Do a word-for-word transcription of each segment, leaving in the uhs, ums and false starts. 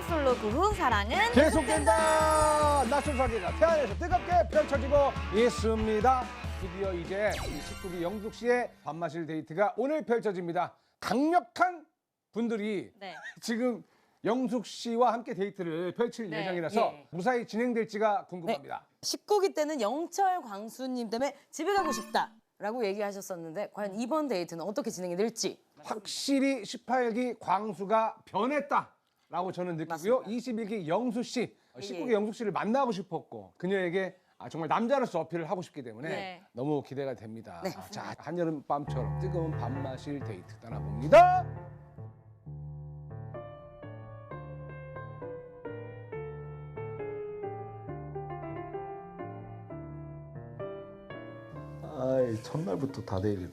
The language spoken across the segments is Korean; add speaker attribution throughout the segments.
Speaker 1: 솔로 그 후 사랑은
Speaker 2: 계속된다. 낯선 사계가 태안에서 뜨겁게 펼쳐지고 있습니다. 드디어 이제 십구 기 영숙 씨의 밥마실 데이트가 오늘 펼쳐집니다. 강력한 분들이
Speaker 1: 네.
Speaker 2: 지금 영숙 씨와 함께 데이트를 펼칠
Speaker 1: 네.
Speaker 2: 예정이라서
Speaker 3: 예.
Speaker 2: 무사히 진행될지가 궁금합니다.
Speaker 3: 십구 기 때는 영철 광수님 때문에 집에 가고 싶다라고 얘기하셨었는데 과연 이번 데이트는 어떻게 진행이 될지.
Speaker 2: 확실히 십팔 기 광수가 변했다라고 저는 느끼고요.
Speaker 3: 맞습니다.
Speaker 2: 이십일 기 영수 씨,
Speaker 3: 예,
Speaker 2: 십구 기
Speaker 3: 예.
Speaker 2: 영숙 씨를 만나고 싶었고 그녀에게 아, 정말 남자로서 어필을 하고 싶기 때문에
Speaker 1: 네.
Speaker 2: 너무 기대가 됩니다.
Speaker 3: 네.
Speaker 2: 아, 자, 한여름 밤처럼 뜨거운 밥마실 데이트 떠나봅니다.
Speaker 4: 아이 첫날부터 다 내일이네.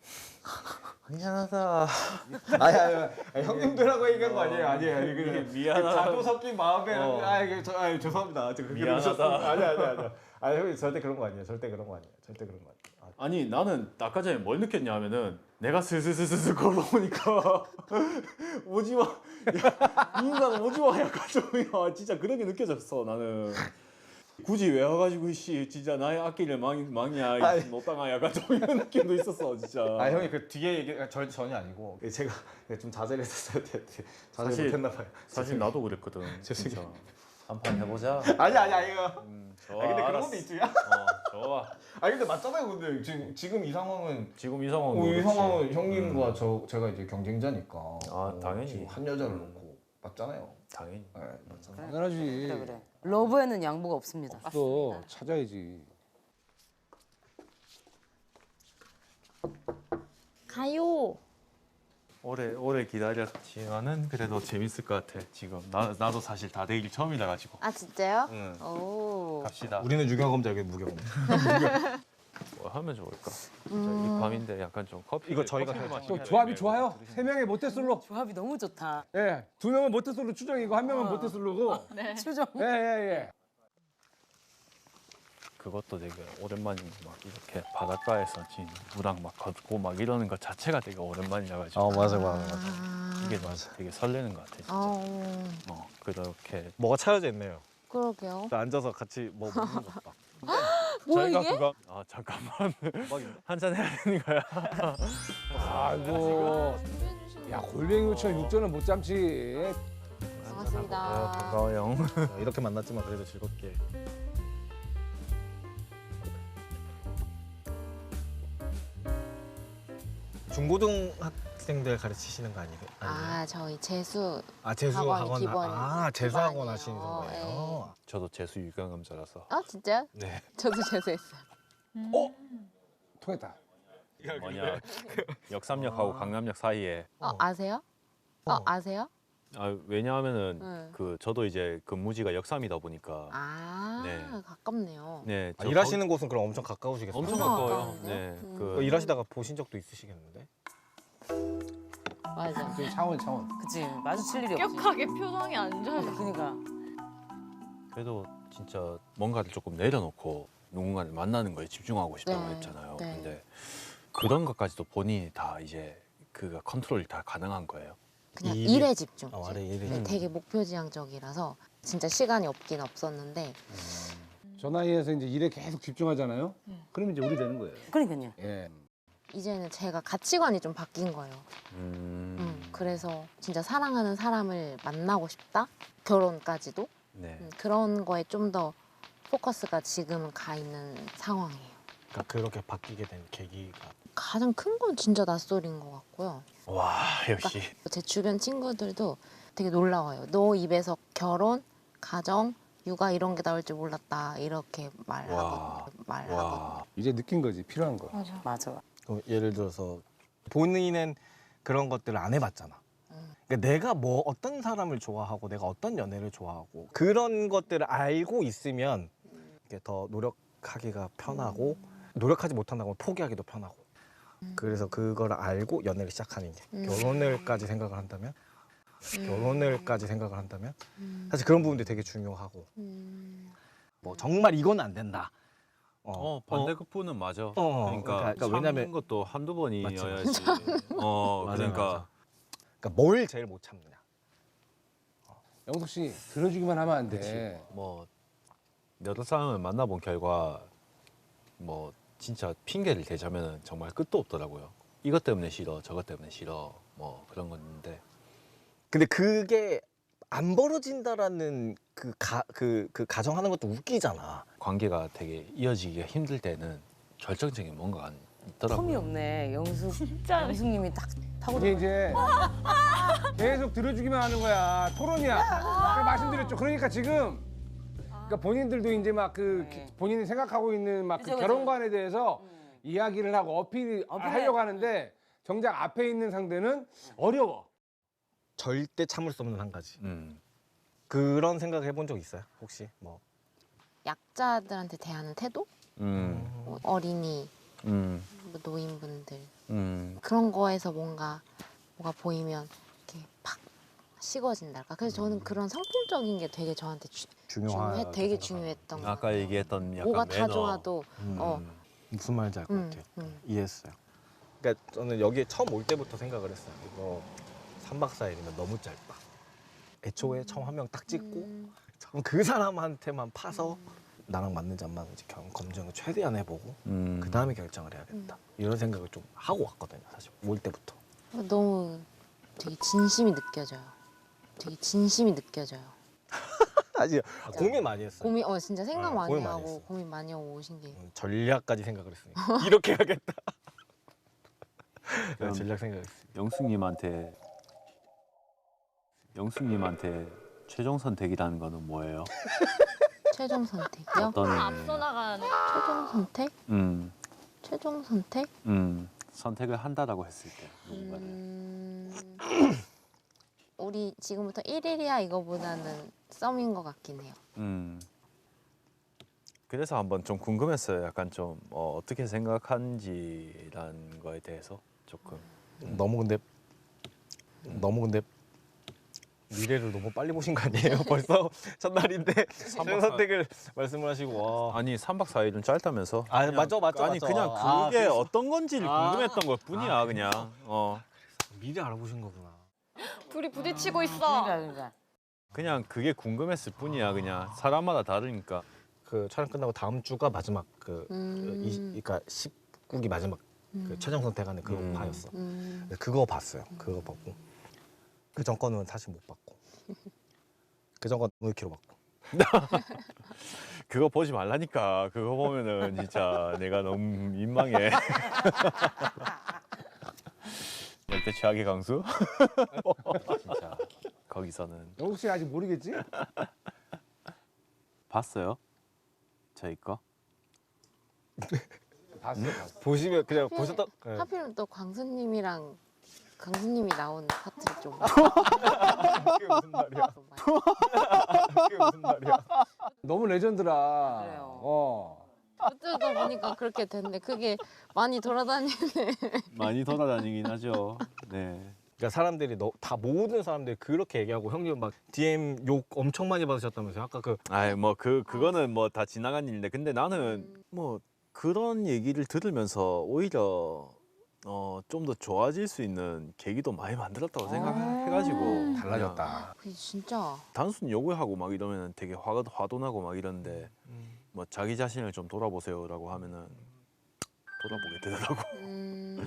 Speaker 5: 미안하다.
Speaker 4: 아니 아니, 아니 형님들하고 얘기한 거 아니에요. 아니에요. 아니, 그냥
Speaker 5: 미안하다.
Speaker 4: 자도 섞인 마음에
Speaker 5: 어.
Speaker 4: 아 이게 저 아니 죄송합니다. 저 그렇게
Speaker 5: 미안하다.
Speaker 4: 웃었습니다. 아니 아니 아니. 아니 형님 절대 그런 거 아니에요. 절대 그런 거 아니에요. 절대 그런 거 아니에요. 아,
Speaker 5: 아니 나는 아까 전에 뭘 느꼈냐 하면은 내가 슬슬슬슬 걸어오니까 오지마 야, 이 인간 오지마 약간 좀 야, 진짜 그런 게 느껴졌어 나는. 굳이 왜 와가지고 씨 진짜 나의 악기를 망, 망이야
Speaker 4: 아니.
Speaker 5: 이 노땅아 약간 좀 이런 느낌도 있었어 진짜.
Speaker 4: 아 형이 그 뒤에 얘기 절 전혀 아니고 제가 좀 자제를 했었어야 돼. 자제
Speaker 5: 사실-
Speaker 4: 못했나 봐요.
Speaker 5: 사실 나도 그랬거든.
Speaker 4: 죄송해요.
Speaker 5: 진짜. 한판 해보자.
Speaker 4: 아니 아니 아니요.
Speaker 5: 음, 좋아.
Speaker 4: 아 근데 그런
Speaker 5: 알았어.
Speaker 4: 것도 있지.
Speaker 5: 어, 좋아.
Speaker 4: 아니 근데 맞잖아요. 근데 지금 지금 이 상황은
Speaker 5: 지금 이 상황은
Speaker 4: 어, 이
Speaker 5: 그렇지.
Speaker 4: 상황은 형님과 저 제가 이제 경쟁자니까.
Speaker 5: 아, 당연히.
Speaker 4: 지금 한 여자를 놓고 맞잖아요.
Speaker 5: 당연히.
Speaker 4: 네, 맞잖아요.
Speaker 2: 당연하지.
Speaker 3: 그래 그래. 러브에는 양보가 없습니다.
Speaker 2: 또 찾아야지.
Speaker 1: 가요.
Speaker 5: 오래 오래 기다렸지만은 그래도 재밌을 것 같아. 지금 나 나도 사실 다 내일 처음이라 가지고.
Speaker 1: 아 진짜요?
Speaker 5: 응.
Speaker 1: 오.
Speaker 5: 갑시다.
Speaker 4: 우리는 유경험자 여기 무경.
Speaker 5: 뭐 하면 좋을까? 진짜 이 밤인데 약간 좀 커피.
Speaker 4: 이거 저희가
Speaker 5: 커피
Speaker 4: 해야죠.
Speaker 5: 마시고
Speaker 2: 또 조합이
Speaker 5: 해야
Speaker 2: 좋아요.
Speaker 5: 되는데.
Speaker 2: 세 명의 모태솔로.
Speaker 3: 조합이 너무 좋다.
Speaker 2: 예, 두 명은 모태솔로 추정이고 한 명은
Speaker 3: 어.
Speaker 2: 모태솔로고.
Speaker 3: 추정.
Speaker 2: 예, 예, 예.
Speaker 5: 그것도 되게 오랜만인 막 이렇게 바닷가에서 진 무랑 막 걷고 막 이러는 것 자체가 되게 오랜만이라 가지고.
Speaker 4: 어 맞아 맞아 맞아.
Speaker 5: 이게 맞아. 되게 설레는 것 같아 진짜.
Speaker 1: 어.
Speaker 5: 어 그렇게
Speaker 4: 뭐가 차려져 있네요.
Speaker 1: 그러게요.
Speaker 4: 앉아서 같이 뭐 먹는 것 봐.
Speaker 1: 뭐야
Speaker 5: 저희가
Speaker 1: 이게?
Speaker 5: 그거 아 잠깐만 한잔 해야 되는 거야.
Speaker 2: 아이고. 야, 골뱅이 요청 육전은 못 참지.
Speaker 1: 반갑습니다.
Speaker 5: 반가워요.
Speaker 4: 이렇게 만났지만 그래도 즐겁게. 중고등학생들 가르치시는 거 아니에요?
Speaker 1: 아 저희 재수
Speaker 4: 아 재수
Speaker 1: 학원이
Speaker 4: 학원
Speaker 1: 기본-
Speaker 4: 아 재수 학원
Speaker 1: 기반이에요.
Speaker 4: 하시는 거예요?
Speaker 5: 저도 재수 유경험자라서.
Speaker 1: 아 진짜요?
Speaker 4: 네.
Speaker 1: 저도 재수했어요.
Speaker 2: 통했다.
Speaker 5: 뭐냐 역삼역하고 강남역 사이에.
Speaker 1: 어 아세요? 어,
Speaker 4: 어.
Speaker 1: 아세요?
Speaker 5: 아 왜냐하면은
Speaker 1: 네.
Speaker 5: 그 저도 이제 근무지가 역삼이다 보니까.
Speaker 1: 아
Speaker 5: 네.
Speaker 1: 가깝네요.
Speaker 5: 네.
Speaker 4: 아,
Speaker 5: 저
Speaker 4: 일하시는 곳은 그럼 엄청 가까우시겠어요?
Speaker 5: 엄청
Speaker 1: 엄청
Speaker 5: 가까워요.
Speaker 1: 가까운데요?
Speaker 5: 네.
Speaker 1: 음.
Speaker 4: 그
Speaker 5: 그
Speaker 4: 일하시다가 보신 적도 있으시겠는데?
Speaker 1: 맞아.
Speaker 2: 그 차원, 차원.
Speaker 3: 그치 마주칠 일이 없지.
Speaker 1: 격하게 표정이 안 좋아요.
Speaker 3: 그러니까
Speaker 5: 그래도 진짜 뭔가를 조금 내려놓고 누군가를 만나는 거에 집중하고 싶다고
Speaker 1: 네,
Speaker 5: 했잖아요.
Speaker 1: 네.
Speaker 5: 근데 그런 것까지도 본인이 다 이제 그가 컨트롤이 다 가능한 거예요.
Speaker 1: 그냥
Speaker 4: 일이-
Speaker 1: 일에 집중.
Speaker 4: 아, 아래 일에
Speaker 1: 네, 되게 목표지향적이라서 진짜 시간이 없긴 없었는데
Speaker 2: 저 나이에서 이제 일에 계속 집중하잖아요. 그러면 이제 우리 되는 거예요.
Speaker 3: 그러니까요.
Speaker 2: 예.
Speaker 1: 이제는 제가 가치관이 좀 바뀐 거예요.
Speaker 5: 음.
Speaker 1: 음, 그래서 진짜 사랑하는 사람을 만나고 싶다? 결혼까지도?
Speaker 5: 네.
Speaker 1: 음, 그런 거에 좀 더 포커스가 지금은 가 있는 상황이에요.
Speaker 4: 그러니까 그렇게 바뀌게 된 계기가
Speaker 1: 가장 큰 건 진짜 낯설인 것 같고요.
Speaker 5: 와 역시.
Speaker 1: 제 주변 친구들도 되게 놀라워요. 너 입에서 결혼, 가정, 육아 이런 게 나올 줄 몰랐다. 이렇게
Speaker 5: 와.
Speaker 1: 말하거든요. 말하거든요.
Speaker 5: 와.
Speaker 2: 이제 느낀 거지, 필요한 거.
Speaker 1: 맞아.
Speaker 3: 맞아.
Speaker 4: 그럼 예를 들어서 본인은 그런 것들을 안 해봤잖아.
Speaker 1: 음.
Speaker 4: 그러니까 내가 뭐 어떤 사람을 좋아하고 내가 어떤 연애를 좋아하고 그런 것들을 알고 있으면 이게 더 노력하기가 편하고 노력하지 못한다고 하면 포기하기도 편하고 그래서 그걸 알고 연애를 시작하는 게
Speaker 1: 음.
Speaker 4: 결혼을까지 생각을 한다면
Speaker 1: 음.
Speaker 4: 결혼을까지 생각을 한다면
Speaker 1: 음.
Speaker 4: 사실 그런 부분들이 되게 중요하고
Speaker 1: 음.
Speaker 4: 뭐 정말 이건 안 된다.
Speaker 5: 어 반대급부는 맞아.
Speaker 4: 어,
Speaker 5: 그러니까,
Speaker 4: 그러니까, 그러니까
Speaker 5: 참는
Speaker 4: 왜냐면-
Speaker 5: 것도 한두 번이어야지.
Speaker 4: 맞지,
Speaker 5: 어
Speaker 4: 맞아,
Speaker 5: 그러니까
Speaker 4: 맞아. 그러니까 뭘 제일 못 참느냐.
Speaker 2: 영숙 씨 들어주기만 하면 안 돼.
Speaker 5: 뭐 여러 사람을 만나본 결과 뭐 진짜 핑계를 대자면 정말 끝도 없더라고요. 이것 때문에 싫어, 저것 때문에 싫어, 뭐 그런 건데.
Speaker 4: 근데 그게 안 벌어진다라는 그 가 그 그 가정하는 것도 웃기잖아.
Speaker 5: 관계가 되게 이어지기가 힘들 때는 결정적인 뭔가가 있더라고요.
Speaker 3: 텀이 없네. 영숙 영숙님이 딱 타고
Speaker 2: 이게 이제 계속 들어주기만 하는 거야. 토론이야. 아까 말씀드렸죠. 그러니까 지금 그러니까 본인들도 이제 막 그
Speaker 3: 네.
Speaker 2: 본인이 생각하고 있는 막 그
Speaker 3: 그죠, 그죠.
Speaker 2: 결혼관에 대해서
Speaker 3: 음.
Speaker 2: 이야기를 하고 어필
Speaker 3: 어필해.
Speaker 2: 하려고 하는데 정작 앞에 있는 상대는 어려워.
Speaker 4: 절대 참을 수 없는 한 가지.
Speaker 5: 음.
Speaker 4: 그런 생각 해본 적 있어요? 혹시 뭐
Speaker 1: 약자들한테 대하는 태도?
Speaker 5: 음.
Speaker 1: 뭐 어린이,
Speaker 5: 음.
Speaker 1: 뭐 노인분들
Speaker 5: 음.
Speaker 1: 그런 거에서 뭔가 뭐가 보이면 이렇게 팍 식어진달까. 그래서 저는 그런 성품적인 게 되게 저한테 주,
Speaker 4: 중요하
Speaker 1: 중요해, 되게 중요했던 거.
Speaker 5: 아까 얘기했던 약간
Speaker 1: 뭐가 다
Speaker 5: 매너.
Speaker 1: 좋아도
Speaker 5: 음.
Speaker 1: 어.
Speaker 4: 무슨 말인지 알 것
Speaker 1: 음,
Speaker 4: 같아요.
Speaker 1: 음.
Speaker 4: 이해했어요. 그러니까 저는 여기에 처음 올 때부터 생각을 했어요. 이거 삼 박 사 일이면 너무 짧다. 애초에 처음 한 명 딱 찍고
Speaker 1: 음,
Speaker 4: 그럼 그 사람한테만 파서 나랑 맞는지 안 맞는지 경- 검증을 최대한 해보고
Speaker 5: 음.
Speaker 4: 그 다음에 결정을 해야겠다. 이런 생각을 좀 하고 왔거든요. 사실 올 때부터.
Speaker 1: 너무 되게 진심이 느껴져요. 되게 진심이 느껴져요.
Speaker 4: 아직 고민 많이 했어요.
Speaker 1: 고민, 어 진짜 생각
Speaker 4: 네,
Speaker 1: 많이
Speaker 4: 고민 많이
Speaker 1: 하고
Speaker 4: 했어요.
Speaker 1: 고민 많이 하고 오신 게.
Speaker 4: 음, 전략까지 생각을 했으니까 이렇게 하겠다. 네,
Speaker 5: 그럼-
Speaker 4: 전략 생각했어요.
Speaker 5: 영숙님한테 영숙님한테 최종 선택이라는 거는 뭐예요?
Speaker 1: 최종 선택이요?
Speaker 5: 어떤
Speaker 6: 앞서 나가는
Speaker 1: 최종 선택?
Speaker 5: 음,
Speaker 1: 최종 선택?
Speaker 5: 음, 선택을 한다라고 했을 때 누군가를.
Speaker 1: 음, 우리 지금부터 일 일이야 이거보다는 썸인 것 같긴 해요.
Speaker 5: 음. 그래서 한번 좀 궁금했어요. 약간 좀 어, 어떻게 생각하는지라는 거에 대해서 조금.
Speaker 4: 너무 근데 너무 근데 미래를 너무 빨리 보신 거 아니에요? 벌써 첫날인데 최종 선택을 말씀을 하시고 와.
Speaker 5: 아니 삼 박 사 일은 짧다면서?
Speaker 4: 아,
Speaker 5: 그냥-
Speaker 4: 맞죠, 맞죠,
Speaker 5: 아니
Speaker 4: 맞죠.
Speaker 5: 그냥
Speaker 4: 아,
Speaker 5: 그게
Speaker 4: 그래서-
Speaker 5: 어떤 건지를
Speaker 4: 아.
Speaker 5: 궁금했던 것 뿐이야
Speaker 4: 아,
Speaker 5: 그냥. 어.
Speaker 4: 미래 알아보신 거구나.
Speaker 6: 둘이 부딪히고 있어.
Speaker 3: 그러니까 그러니까.
Speaker 5: 그냥 그게 궁금했을 뿐이야 그냥. 사람마다 다르니까.
Speaker 4: 그 촬영 끝나고 다음 주가 마지막 그
Speaker 1: 음.
Speaker 4: 이, 그러니까 십구 기 마지막 그 최종 선택하는 그
Speaker 5: 음.
Speaker 4: 파였어.
Speaker 1: 음,
Speaker 4: 근데 그거 봤어요. 그거 봤고 그 전 거는 사실 못 봤고 그 전 건 일 킬로미터 봤고.
Speaker 5: 그거 보지 말라니까. 그거 보면은 진짜 내가 너무 민망해. 열대 최악의 강수? 진짜 거기서는
Speaker 2: 영숙 씨 아직 모르겠지?
Speaker 5: 봤어요? 저희 거?
Speaker 2: 봤어, 봤어.
Speaker 4: 보시면 그냥
Speaker 1: 하필-
Speaker 4: 보셨다. 네.
Speaker 1: 하필 또 광수님이랑 광수님이 나온 파트를 좀
Speaker 4: 그게 무슨 말이야? 그게 무슨 말이야?
Speaker 2: 너무 레전드라.
Speaker 3: 그래요.
Speaker 2: 어.
Speaker 1: 어쩌다 보니까 그렇게 됐는데 그게 많이 돌아다니네.
Speaker 5: 많이 돌아다니긴 하죠. 네.
Speaker 4: 그러니까 사람들이 너, 다 모든 사람들이 그렇게 얘기하고 형님 막 디엠 욕 엄청 많이 받으셨다면서요? 아까 그
Speaker 5: 아이 뭐 그 그거는 뭐 다 지나간 일인데 근데 나는
Speaker 1: 음.
Speaker 5: 뭐 그런 얘기를 들으면서 오히려 어 좀 더 좋아질 수 있는 계기도 많이 만들었다고 생각해가지고
Speaker 2: 달라졌다.
Speaker 1: 그게 진짜
Speaker 5: 단순히 요구하고 막 이러면 되게 화가 화도 나고 막 이러는데 뭐 자기 자신을 좀 돌아보세요라고 하면은 돌아보게 되더라고.
Speaker 1: 음,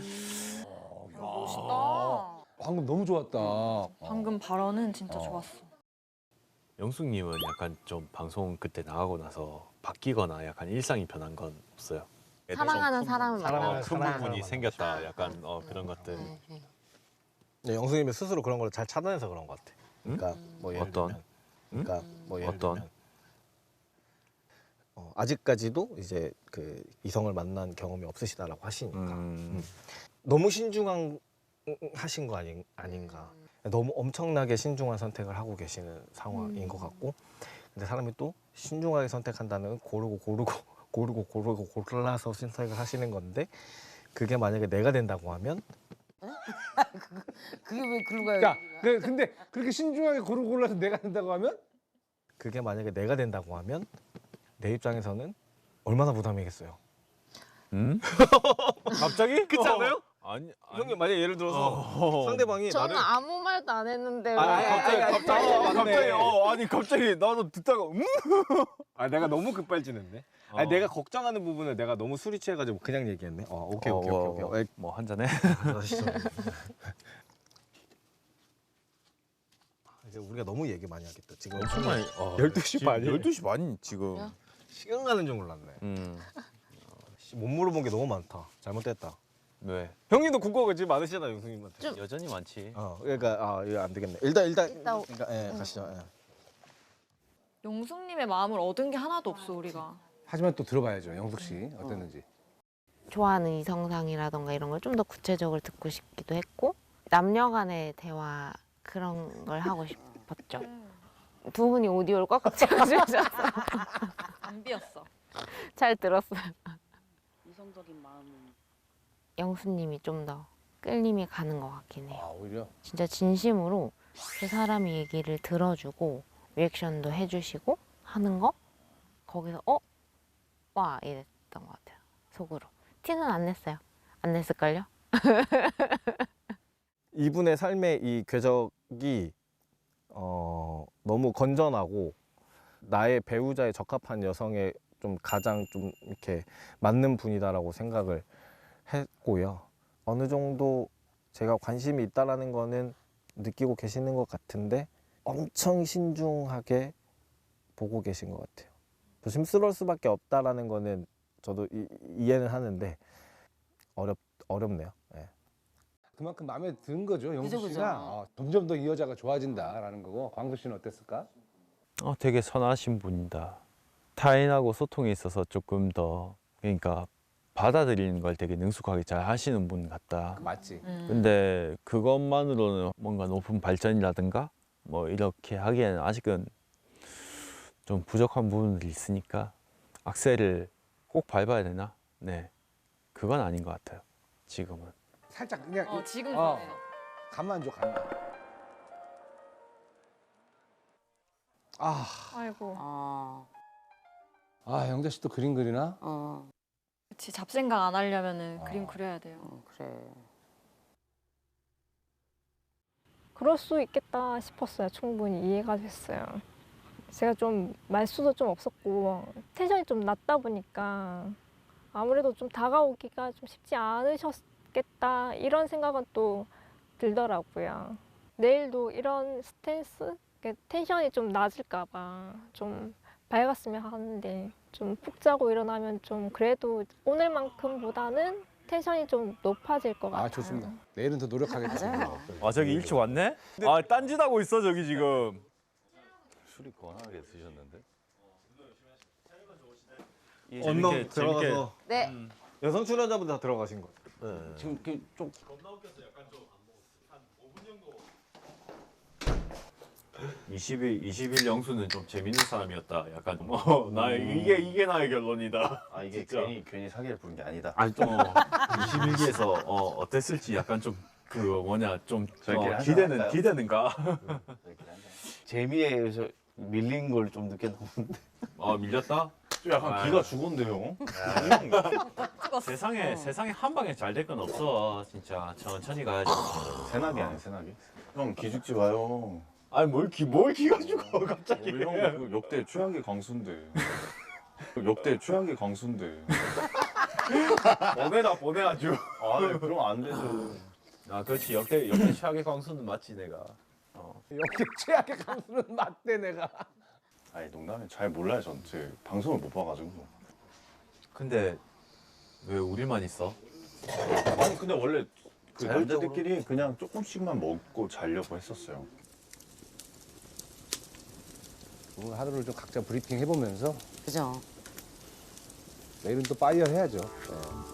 Speaker 6: 멋있다.
Speaker 2: 방금 너무 좋았다. 어.
Speaker 6: 방금 발언은 진짜
Speaker 2: 어.
Speaker 6: 좋았어.
Speaker 5: 영숙님은 약간 좀 방송 그때 나가고 나서 바뀌거나 약간 일상이 변한 건 없어요?
Speaker 1: 사랑하는 사람을
Speaker 4: 사랑하는
Speaker 1: 만나고
Speaker 5: 큰
Speaker 4: 사랑하는
Speaker 5: 부분이
Speaker 4: 사람을
Speaker 5: 생겼다. 약간 어, 그런 것들.
Speaker 1: 네, 네.
Speaker 4: 네, 영수님이 스스로 그런 걸 잘 차단해서 그런 것 같아. 그러니까
Speaker 1: 음.
Speaker 4: 뭐 예를
Speaker 5: 어떤?
Speaker 4: 들면, 그러니까
Speaker 1: 음.
Speaker 4: 뭐 예를
Speaker 5: 어떤?
Speaker 4: 들면 어, 아직까지도 이제 그 이성을 만난 경험이 없으시다라고 하시니까
Speaker 5: 음.
Speaker 4: 너무 신중한 하신 거 아닌, 아닌가. 너무 엄청나게 신중한 선택을 하고 계시는 상황인
Speaker 1: 음.
Speaker 4: 것 같고, 근데 사람이 또 신중하게 선택한다는 고르고 고르고 고르고 고르고 골라서 선택을 하시는 건데, 그게 만약에 내가 된다고 하면
Speaker 3: 그게 왜 글로 가요?
Speaker 2: 자, 네, 근데 그렇게 신중하게 고르고 골라서 내가 된다고 하면
Speaker 4: 그게 만약에 내가 된다고 하면 내 입장에서는 얼마나 부담이겠어요.
Speaker 5: 음? 갑자기?
Speaker 4: 그렇지 않아요?
Speaker 5: 아니, 아니.
Speaker 4: 형님 만약 예를 들어서
Speaker 5: 어.
Speaker 4: 상대방이
Speaker 1: 저는
Speaker 4: 나를
Speaker 1: 아무 말도 안 했는데 왜?
Speaker 4: 아니, 아니, 아니,
Speaker 5: 갑자기
Speaker 4: 어, 맞네.
Speaker 5: 갑자기 어 아니 갑자기 나도 듣다가 음?
Speaker 4: 아 내가 너무 급발진했네.
Speaker 5: 어.
Speaker 4: 아니 내가 걱정하는 부분을 내가 너무 술이 취해가지고 그냥 얘기했네. 어 오케이 오케이
Speaker 5: 어,
Speaker 4: 오케이 오케이.
Speaker 5: 뭐 한 잔해?
Speaker 4: 이제 우리가 너무 얘기 많이 하겠다. 지금
Speaker 5: 엄청 많이. 어,
Speaker 4: 열두 시
Speaker 5: 지금
Speaker 4: 반이.
Speaker 5: 열두 시 반 지금.
Speaker 1: 그래요?
Speaker 4: 시간 가는 줄 몰랐네.
Speaker 5: 음.
Speaker 4: 씨, 못 물어본 게 너무 많다. 잘못됐다.
Speaker 5: 왜?
Speaker 4: 형님도 궁금한 거 지금 많으시잖아 형님한테.
Speaker 1: 좀-
Speaker 5: 여전히 많지.
Speaker 4: 어 그러니까 아 이거 안 되겠네. 일단 일단
Speaker 1: 이따 오-
Speaker 4: 그러니까 예 가시죠. 예.
Speaker 6: 용숙님의 마음을 얻은 게 하나도 없어 우리가.
Speaker 2: 하지만 또 들어봐야죠. 영숙 씨 어땠는지.
Speaker 1: 좋아하는 이성상이라던가 이런 걸 좀 더 구체적으로 듣고 싶기도 했고 남녀 간의 대화 그런 걸 하고 싶었죠. 두 분이 오디오를 꽉꽉 채워주셔서
Speaker 6: 안 비었어.
Speaker 1: 잘 들었어요.
Speaker 3: 이성적인 마음은
Speaker 1: 영수님이 좀 더 끌림이 가는 것 같긴 해요.
Speaker 2: 아 오히려.
Speaker 1: 진짜 진심으로 그 사람의 얘기를 들어주고 리액션도 해주시고 하는 거 거기서 어? 와 이랬던 것 같아요. 속으로. 티는 안 냈어요. 안 냈을걸요?
Speaker 4: 이분의 삶의 이 궤적이 어, 너무 건전하고 나의 배우자에 적합한 여성의 좀 가장 좀 이렇게 맞는 분이다라고 생각을 했고요. 어느 정도 제가 관심이 있다라는 거는 느끼고 계시는 것 같은데 엄청 신중하게 보고 계신 것 같아요. 조심스러울 수밖에 없다라는 거는 저도 이, 이해는 하는데 어렵 어렵네요. 예.
Speaker 2: 그만큼 마음에 든 거죠. 영숙
Speaker 3: 그죠,
Speaker 2: 씨가
Speaker 3: 그죠.
Speaker 2: 어, 점점 더 이 여자가 좋아진다라는 거고. 광수 씨는 어땠을까?
Speaker 5: 어, 되게 선하신 분이다. 타인하고 소통에 있어서 조금 더 그러니까 받아들이는 걸 되게 능숙하게 잘 하시는 분 같다.
Speaker 2: 맞지.
Speaker 3: 음.
Speaker 5: 근데 그것만으로는 뭔가 높은 발전이라든가 뭐 이렇게 하기에는 아직은 좀 부족한 부분들이 있으니까 악셀을 꼭 밟아야 되나? 네, 그건 아닌 것 같아요. 지금은.
Speaker 2: 살짝 그냥
Speaker 6: 어
Speaker 2: 이-
Speaker 6: 지금
Speaker 2: 어,
Speaker 6: 그래요.
Speaker 2: 간만 줘 간만. 아,
Speaker 6: 아이고.
Speaker 3: 아,
Speaker 2: 아 영자 씨 또 그림 그리나?
Speaker 3: 어,
Speaker 6: 그치 잡생각 안 하려면은
Speaker 2: 아.
Speaker 6: 그림 그려야 돼요.
Speaker 3: 어, 그래.
Speaker 7: 그럴 수 있겠다 싶었어요. 충분히 이해가 됐어요. 제가 좀 말수도 좀 없었고 텐션이 좀 낮다 보니까 아무래도 좀 다가오기가 좀 쉽지 않으셨겠다 이런 생각은 또 들더라고요. 내일도 이런 스탠스, 이렇게 텐션이 좀 낮을까 봐 좀 밝았으면 하는데 좀 푹 자고 일어나면 좀 그래도 오늘만큼보다는 텐션이 좀 높아질 것 같아요.
Speaker 2: 아 좋습니다. 내일은 더 노력하겠습니다.
Speaker 3: 맞아요.
Speaker 5: 아 저기 일찍 왔네? 아 딴짓하고 있어 저기 지금.
Speaker 8: 술이 권하게 드셨는데?
Speaker 4: 언론 들어가서
Speaker 1: 네.
Speaker 4: 여성 출연자분들 다 들어가신 거.
Speaker 8: 네. 지금 그좀
Speaker 5: 이십 일 이십 일 영수는 좀 재밌는 사람이었다. 약간 좀, 어, 나 이게 이게 나의 결론이다.
Speaker 8: 아 이게
Speaker 5: 진짜.
Speaker 8: 괜히 괜히 사기를 부른 게 아니다.
Speaker 5: 아니 좀 이십일 기에서 어, 어땠을지 약간 좀 그 뭐냐 좀
Speaker 8: 저희끼리
Speaker 5: 어,
Speaker 8: 한잔
Speaker 5: 기대는
Speaker 8: 할까요?
Speaker 5: 기대는가?
Speaker 8: 저희끼리 한잔. 재미에 의해서 밀린 걸 좀 느꼈는데.
Speaker 5: 어 밀렸다?
Speaker 8: 좀 약간
Speaker 5: 아유.
Speaker 8: 기가 죽었는데요.
Speaker 5: 세상에 세상에 한 방에 잘 될 건 없어. 진짜 천천히 가야지.
Speaker 8: 새나기 아니야 새나기? 형 기죽지 마요.
Speaker 5: 아니 뭘기뭘 기가 죽어 갑자기.
Speaker 8: 우리 형 그 역대 최악의 광수인데. 그 역대 최악의 광수인데.
Speaker 5: 보내다 보내 아주.
Speaker 8: 아 네, 그럼 안 되죠.
Speaker 5: 아 그렇지 역대 역대 최악의 광수는 맞지 내가.
Speaker 2: 역대 최악의 강수는 맞대 내가.
Speaker 8: 아니 농담에 잘 몰라요 전체 방송을 못 봐가지고.
Speaker 5: 근데 왜 우리만 있어?
Speaker 8: 아니 근데 원래 그
Speaker 5: 자율적으로-
Speaker 8: 남자들끼리 그냥 조금씩만 먹고 자려고 했었어요.
Speaker 2: 오늘 하루를 좀 각자 브리핑 해보면서
Speaker 3: 그죠.
Speaker 2: 내일은 또 파이어 해야죠. 네.